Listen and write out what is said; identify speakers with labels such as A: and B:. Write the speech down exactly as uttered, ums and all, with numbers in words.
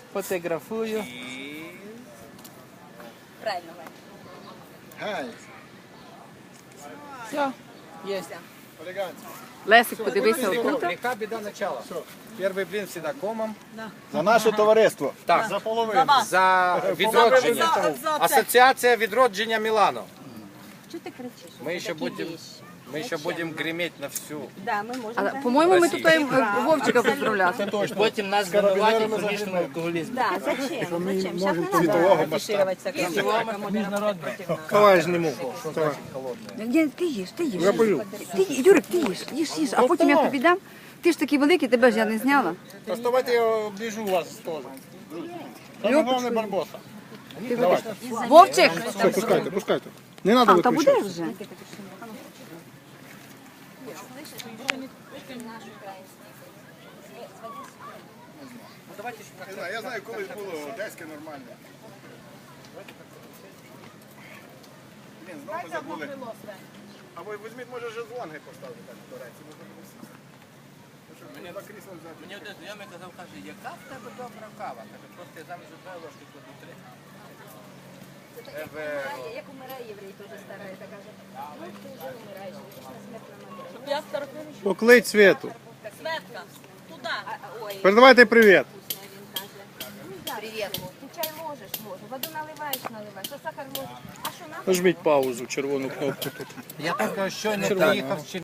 A: Фотографую.
B: Правильно,
C: Гай.
A: Все, є.
C: Елегантно.
D: Лесик, подивися отут.
A: Легка біда начала. Перший блін всегда комом.
C: За наше товариство.
A: Так.
C: За половину.
A: За відродження.
B: За- за це.
A: Асоціація відродження Мілано.
B: Чого ти кричиш?
A: Ми ще будемо ми ще будемо гриміти на всю.
B: Да, ми можемо.
D: Але,
B: так.
D: по-моєму, ми тут е, Вовчика поздравляти.
A: Потім нас звинуватять в хронічному алкоголізмі.
B: Да, зачем? Зачем? Сейчас не
C: світового
B: надо афишироваться, как
C: Давай зніму.
D: Ні, ти їж, ти їж. Я бою. Ти, Юрик, ти їж, їж, їж. А потім я тобі дам. Ти ж такий великий, тебе ж я не зняла.
C: Доставайте, я оближу вас теж. Саме головне Барбоса.
D: Вовчик!
C: Пускайте, пускайте. Не треба
D: А, та буде
C: виключати.
D: вже.
C: Не знаю, я знаю, колись було одеське нормальне. Блін, знову забули. Або візьміть, може, жезлонги поставити так до речі. Мені на крісло взяти.
A: Мені один знайомий казав, каже, яка в тебе добра кава? Каже, просто я замість одної ложки кладу три.
B: Як умирає єврей, теж старий, так каже, ну ти вже умираєш, ти ж на смертному одрі.
C: Поклич Світу.
B: Светка, туди. Ой,
C: Передавайте привіт.
B: привіт. Ти чай можеш, можеш. Воду наливаєш, наливаєш. А сахар можеш. А що нам?
C: Нажміть паузу, червону кнопку тут.
A: Я тільки щойно приїхав з